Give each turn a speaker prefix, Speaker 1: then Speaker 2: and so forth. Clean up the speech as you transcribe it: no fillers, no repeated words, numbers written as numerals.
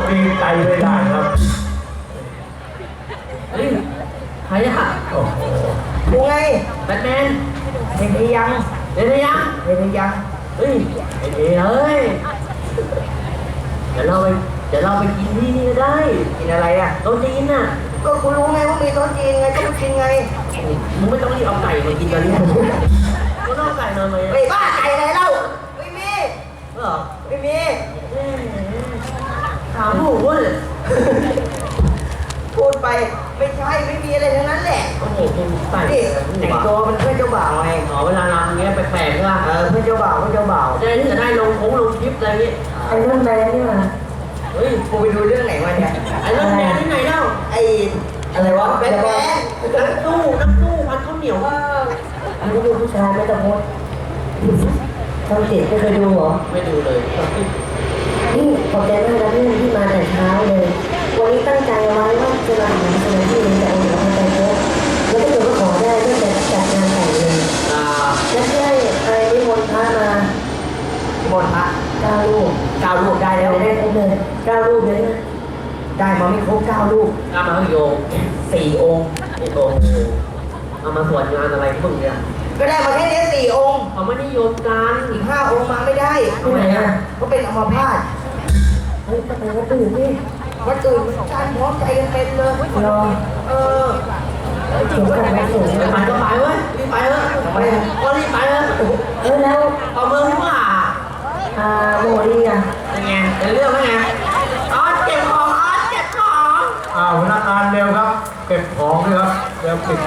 Speaker 1: ดีใจไม่ได้ครับ
Speaker 2: เฮ้ยใครอะ
Speaker 1: โอ้โห
Speaker 3: กูไง
Speaker 2: แบทแมน
Speaker 3: เห็นหรือยัง
Speaker 2: เห็นหรือยัง
Speaker 3: เห็นหรือยัง
Speaker 2: เฮ้ยเห็นเลยเดี๋ยวเราไปกินที่นี่ก็ได้
Speaker 3: กินอะไรอ่ะ
Speaker 2: โต๊ะจีนน่ะ
Speaker 3: ก็กูรู้ไงว่ามีโต๊ะจีนไงก็ไปกินไง
Speaker 2: มึงไม่ต้องรีบเอาไก่มากินกันเลยก็ต้องเอาไก่นอนมา
Speaker 3: ไอ้บ้าไก่อะไรเล่าไม่มี
Speaker 2: เหรอ
Speaker 3: ไม่มี
Speaker 2: ถามถูกวะเนี่ย
Speaker 3: พูดไปไม่ใช่ไม่มีอะไรทั้งนั้นแหละ
Speaker 2: โอ้โหมึงใส่
Speaker 3: นี่แต่งตัวมันเพื่อนเจ้าบ่าวไง
Speaker 2: เวลาเราอย่างเงี้ยแปลกๆใช่ป่ะ
Speaker 3: เพื่อนเจ้าบ่าว
Speaker 2: ได้ที่จะได้ลงคลิปอะไรเงี้ย
Speaker 3: ไอ้เรื่องแมนนี่มา
Speaker 2: เฮ้ย
Speaker 3: กูไปดูเรื่องไหนมาเนี่ย
Speaker 2: ไอ้เรื่องแมนที่ไหนเล่า
Speaker 3: ไอ้อะไรวะแบทแมน
Speaker 2: น้ำตู้พันข้าวเหนียว
Speaker 3: อันนี้ดูผู้ชายไม่ต้องพูดทำติดไม่เคยดูเหรอ
Speaker 2: ไม่ดูเลย
Speaker 3: นี่ขอบใจมากนะพี่ที่มาแต่เช้าเลยวันนี้ตั้งใจไว้ว่าจะมาหาสมาธิแต่องค์พระใจโตแล้วก็ถือว่าขอได้ตั้งแต่จัดงานแต่งเลยแล้วได้ไปนิมนต์พระมานิมนต์พระ9 รูปได้แล้วได้ครบเลย9 รูปเลยนะได้มาไม่ครบ9 รูป
Speaker 2: เอามาโยง
Speaker 3: 4 องค์
Speaker 2: โอ้โหเอามาสวดงานอะไรพวกเนี้ย
Speaker 3: ก็ได้มาแค่นี้4 องค์
Speaker 2: เขาไม่นิยมกัน
Speaker 3: อีก5 องค์มาไม่ได้
Speaker 2: ทำไมอ่ะ
Speaker 3: ก็เป็นอัมพาตเฮ้ยจะไปวัดอื่นนี่วัดอื่นการพร้อมใจกันเป็นเลยรอถึงกันไปสูง
Speaker 2: ไปก็ไปเว้ยรีบไปเถอะก็รีบไปเถอะ
Speaker 3: แล้ว
Speaker 2: เอาเมืองที่ว่า
Speaker 3: โมลี่อ่ะ
Speaker 2: ยังไงจะเรื่องว่าไงเก็บของ
Speaker 1: พนักงานเร็วครับเก็บของเลยครับเร็วปิด